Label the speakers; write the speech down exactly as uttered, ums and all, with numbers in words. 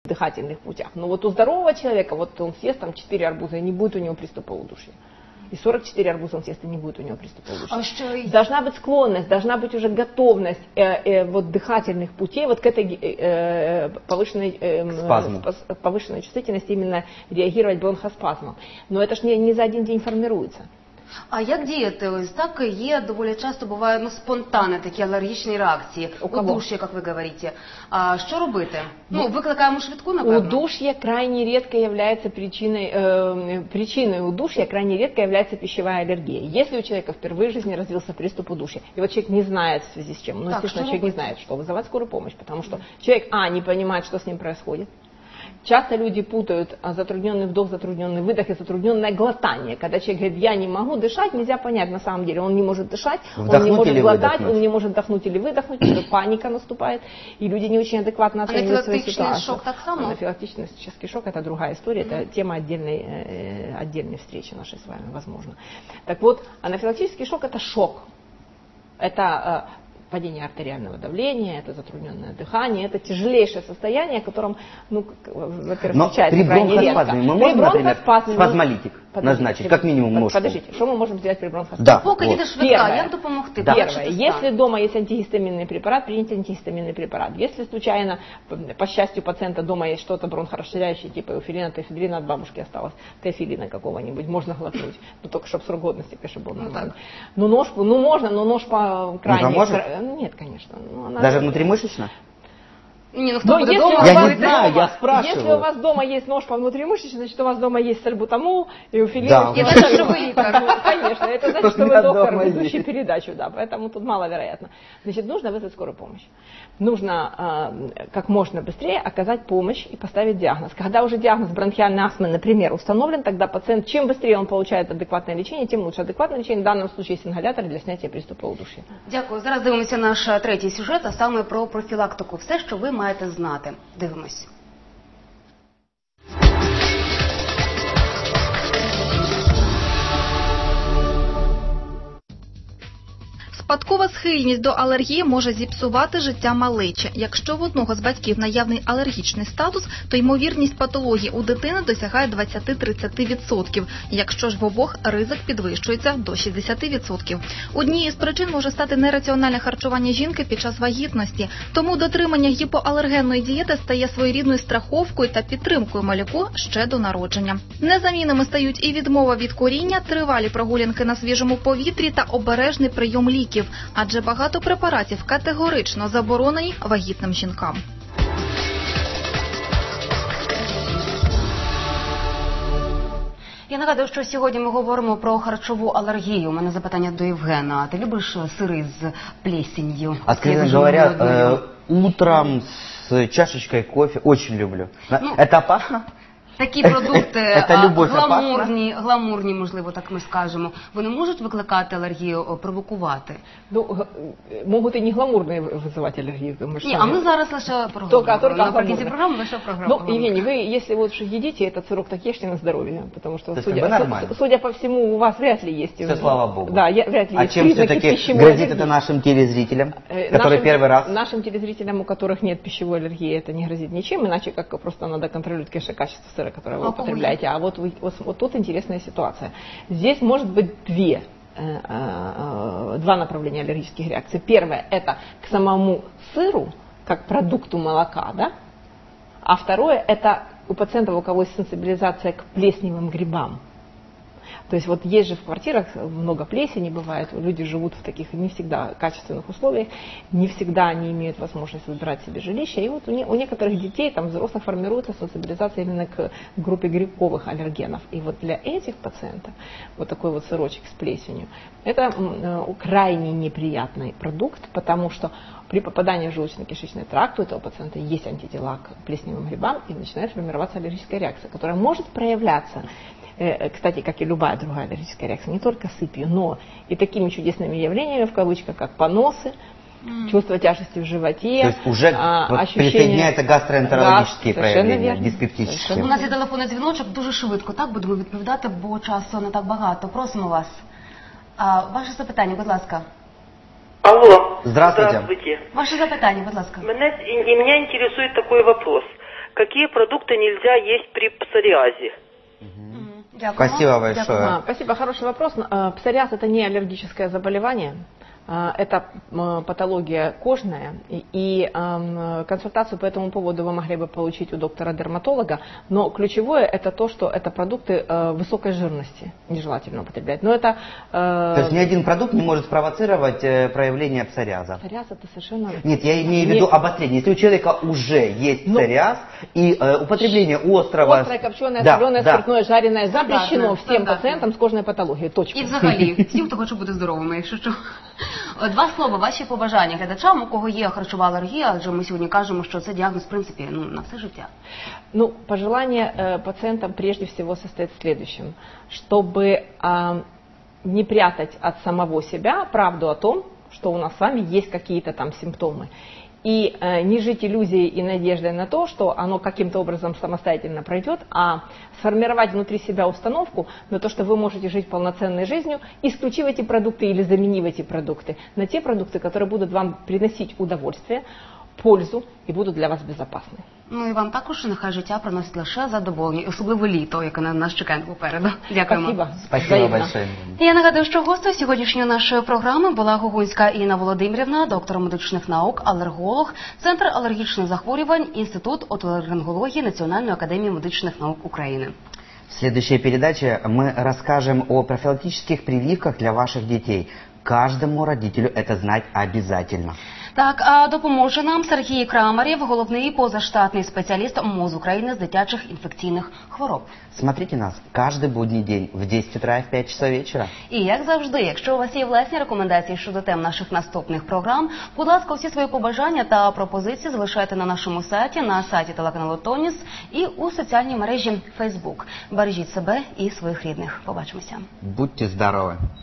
Speaker 1: дыхательных путях. Но вот у здорового человека, вот он съест там четыре арбуза, и не будет у него приступа удушья. И сорок четыре арбуза он съест, и не будет у него приступа удушья.
Speaker 2: А что...
Speaker 1: Должна быть склонность, должна быть уже готовность э, э, вот, дыхательных путей вот к этой э, повышенной, э, повышенной чувствительности именно реагировать бронхоспазмом. Но это ж не, не за один день формируется.
Speaker 2: А як діяти? Ось так є, доволі часто бувають ну, спонтанні такі алергічні реакції. Удуш'я, як ви говорите. А що робити? Ну, викликаємо швидку, напевно?
Speaker 1: Удушье крайне редко является причиной, э, причиной удушья, крайне редко является пищевая аллергия. Если у человека впервые в жизни развился приступ удушья, и вот человек не знает в связи с чем, ну, естественно, человек не знает, что вызывать скорую помощь, потому что человек, а, не понимает, что с ним происходит. Часто люди путают затрудненный вдох, затрудненный выдох и затрудненное глотание. Когда человек говорит, я не могу дышать, нельзя понять на самом деле. Он не может дышать,
Speaker 3: вдохнуть
Speaker 1: он не может глотать,
Speaker 3: выдохнуть.
Speaker 1: он не может вдохнуть или выдохнуть, паника наступает, и люди не очень адекватно оценивают свою ситуацию.
Speaker 2: Анафилактичный шок так само?
Speaker 1: Анафилактический шок – это другая история, mm-hmm. это тема отдельной, отдельной встречи нашей с вами, возможно. Так вот, анафилактический шок – это шок. Это падение артериального давления, это затрудненное дыхание, это тяжелейшее состояние, о котором, ну, во-первых, встречается крайне редко.
Speaker 3: Мы можем, например, спазмолитик назначить, как минимум ножку.
Speaker 1: Подождите, что мы можем сделать при бронхоспазме?
Speaker 3: Да,
Speaker 2: пока
Speaker 3: вот.
Speaker 2: не швидка, як допомогти?
Speaker 1: Да. Первое, если дома есть антигистаминный препарат, принять антигистаминный препарат. Если случайно, по счастью, у пациента дома есть что-то бронхорасширяющее, типа эуфилина, тефидрина от бабушки осталось, теофилина какого-нибудь, можно глотнуть, но только чтобы срок годности, конечно, был нормальный. Ну, нож, ну можно, но нож по крайне... Нет, конечно. Ну, она...
Speaker 3: Даже внутримышечно?
Speaker 2: Не, ну кто
Speaker 1: Но
Speaker 2: будет
Speaker 1: если
Speaker 2: дома,
Speaker 1: у
Speaker 3: я
Speaker 1: вас
Speaker 3: не знаю,
Speaker 1: дома,
Speaker 3: я спрашиваю.
Speaker 1: Если у вас дома есть нож по внутримышечной, значит у вас дома есть сальбутамол, эуфилин.
Speaker 3: Да,
Speaker 2: это значит, что вы доктор.
Speaker 1: Ну, конечно, это значит, что вы доктор, ведущий передачу, да, поэтому тут маловероятно. Значит, нужно вызвать скорую помощь. Нужно э, как можно быстрее оказать помощь и поставить диагноз. Когда уже диагноз бронхиальной астмы, например, установлен, тогда пациент, чем быстрее он получает адекватное лечение, тем лучше. Адекватное лечение в данном случае есть ингалятор для снятия приступа удушья.
Speaker 2: Дякую. Зараз дивимося наш третій сюжет, а саме про профілактику. Все, що ви маєте знати. Дивимось.
Speaker 4: Спадкова схильність до алергії може зіпсувати життя малечі. Якщо в одного з батьків наявний алергічний статус, то ймовірність патології у дитини досягає двадцять-тридцять відсотків. Якщо ж в обох, ризик підвищується до шістдесят відсотків. Однією з причин може стати нераціональне харчування жінки під час вагітності. Тому дотримання гіпоалергенної дієти стає своєрідною страховкою та підтримкою малюку ще до народження. Незамінними стають і відмова від куріння, тривалі прогулянки на свіжому повітрі та обережний прийом ліків. Адже багато препаратів категорично заборонені вагітним жінкам.
Speaker 2: Я нагадую, що сьогодні ми говоримо про харчову алергію. У мене запитання до Євгена. Ти любиш сири з плесенью?
Speaker 3: Откровенно говоря, э, утром с чашечкой кофе очень люблю. Ну, это опасно?
Speaker 2: Такі продукти гламурні, гламурні, можливо, так ми скажемо, вони можуть викликати алергію, провокувати?
Speaker 1: Ну, можуть і не гламурні викликати алергію.
Speaker 2: Ні, а ми зараз лише проговоримо. Наприкінці програми лише програму.
Speaker 1: Ну, Евгений, вы, если вот что едите этот сырок, так ешьте на здоровье, потому что, судя, судя по всему, у вас вряд ли есть...
Speaker 3: Все, слава Богу.
Speaker 1: Да, вряд ли
Speaker 3: а
Speaker 1: есть
Speaker 3: чем все-таки грозит это нашим телезрителям, которые нашим, первый раз...
Speaker 1: Нашим телезрителям, у которых нет пищевой аллергии, это не грозит ничем, иначе как просто надо контролировать, конечно, качество сыра, которое вы а употребляете. А вот, вы, вот, вот тут интересная ситуация. Здесь может быть две, э, э, два направления аллергических реакций. Первое – это к самому сыру, как продукту молока, да? А второе – это у пациентов, у кого есть сенсибилизация к плесневым грибам. То есть вот есть же в квартирах много плесени бывает, люди живут в таких не всегда качественных условиях, не всегда они имеют возможность выбирать себе жилище. И вот у, не, у некоторых детей, там, взрослых формируется сенсибилизация именно к группе грибковых аллергенов. И вот для этих пациентов вот такой вот сырочек с плесенью, это э, крайне неприятный продукт, потому что при попадании в желудочно-кишечный тракт у этого пациента есть антитела к плесневым грибам и начинает формироваться аллергическая реакция, которая может проявляться, кстати, как и любая другая аллергическая реакция, не только сыпью, но и такими чудесными явлениями, в кавычках, как поносы, mm. чувство тяжести в животе.
Speaker 3: То есть уже
Speaker 1: а,
Speaker 3: вот
Speaker 1: ощущение...
Speaker 3: присоединяются гастроэнтерологические
Speaker 1: да,
Speaker 3: проявления, диспептические.
Speaker 2: У нас є телефонний дзвіночок, дуже швидко, так, будемо відповідати, бо часу не так багато. Просимо вас. А, ваше запитання, будь ласка.
Speaker 5: Алло.
Speaker 3: Здравствуйте.
Speaker 5: Здравствуйте.
Speaker 2: Ваше запитання, будь ласка.
Speaker 5: Меня, и меня интересует такой вопрос. какие продукты нельзя есть при псориазе?
Speaker 2: Дякую.
Speaker 3: Спасибо большое.
Speaker 2: Дякую.
Speaker 1: А, Спасибо, хороший вопрос. А, Псориаз – это не аллергическое заболевание. А, Это м, патология кожная, и, и ам, консультацию по этому поводу вы могли бы получить у доктора-дерматолога, но ключевое – это то, что это продукты э, высокой жирности, нежелательно употреблять. Но это… э,
Speaker 3: То есть ни один продукт не может спровоцировать э, проявление псориаза?
Speaker 1: Псориаз – это совершенно…
Speaker 3: Нет, я имею в виду
Speaker 1: Нет.
Speaker 3: обострение. Если у человека уже есть
Speaker 1: Ну,
Speaker 3: псориаз, и э, употребление острого…
Speaker 1: Острое, копченое,
Speaker 3: Да,
Speaker 1: соленое,
Speaker 3: да.
Speaker 1: спиртное, жареное запрещено
Speaker 2: Стандартно,
Speaker 1: всем
Speaker 2: стандартно.
Speaker 1: пациентам с кожной патологией. Точка.
Speaker 2: І взагалі, всім, хто хоче бути здоровими, якщо що. Два слова, ваші побажання глядачам, у кого є харчова алергія, адже ми сьогодні кажемо, що це діагноз, в принципі, ну, на все життя.
Speaker 1: Ну, пожелание э, пациентам прежде всего состоит в следующем, чтобы э, не прятать от самого себя правду о том, что у нас с вами есть какие-то там симптомы. И э, не жить иллюзией и надеждой на то, что оно каким-то образом самостоятельно пройдет, а сформировать внутри себя установку на то, что вы можете жить полноценной жизнью, исключив эти продукты или заменив эти продукты на те продукты, которые будут вам приносить удовольствие, пользу и будут для вас безопасны.
Speaker 2: Ну і вам також нехай життя приносить лише задоволення, і особливо літо, яке на нас чекає попереду. Дякуємо.
Speaker 1: Спасибо.
Speaker 3: Спасибо
Speaker 1: Взаимно.
Speaker 3: большое.
Speaker 2: Я нагадую, що гостею сьогоднішньої нашої програми була Гогунська Інна Володимирівна, доктор медичних наук, алерголог, Центр алергічних захворювань, Інститут отоларингології Національної академії медичних наук України.
Speaker 3: В следующей передаче мы расскажем о профилактических прививках для ваших детей. Каждому родителю это знать обязательно.
Speaker 2: Так, а допоможе нам Сергій Крамарєв, головний позаштатний спеціаліст МОЗ України з дитячих інфекційних хвороб.
Speaker 3: Смотрите нас каждый будний день в десять утра и в пять часов вечера.
Speaker 2: І як завжди, якщо у вас є власні рекомендації щодо тем наших наступних програм, будь ласка, всі свої побажання та пропозиції залишайте на нашому сайті, на сайті телеканалу Тоніс і у соціальній мережі Facebook. Бережіть себе і своїх рідних. Побачимося.
Speaker 3: Будьте здоровы!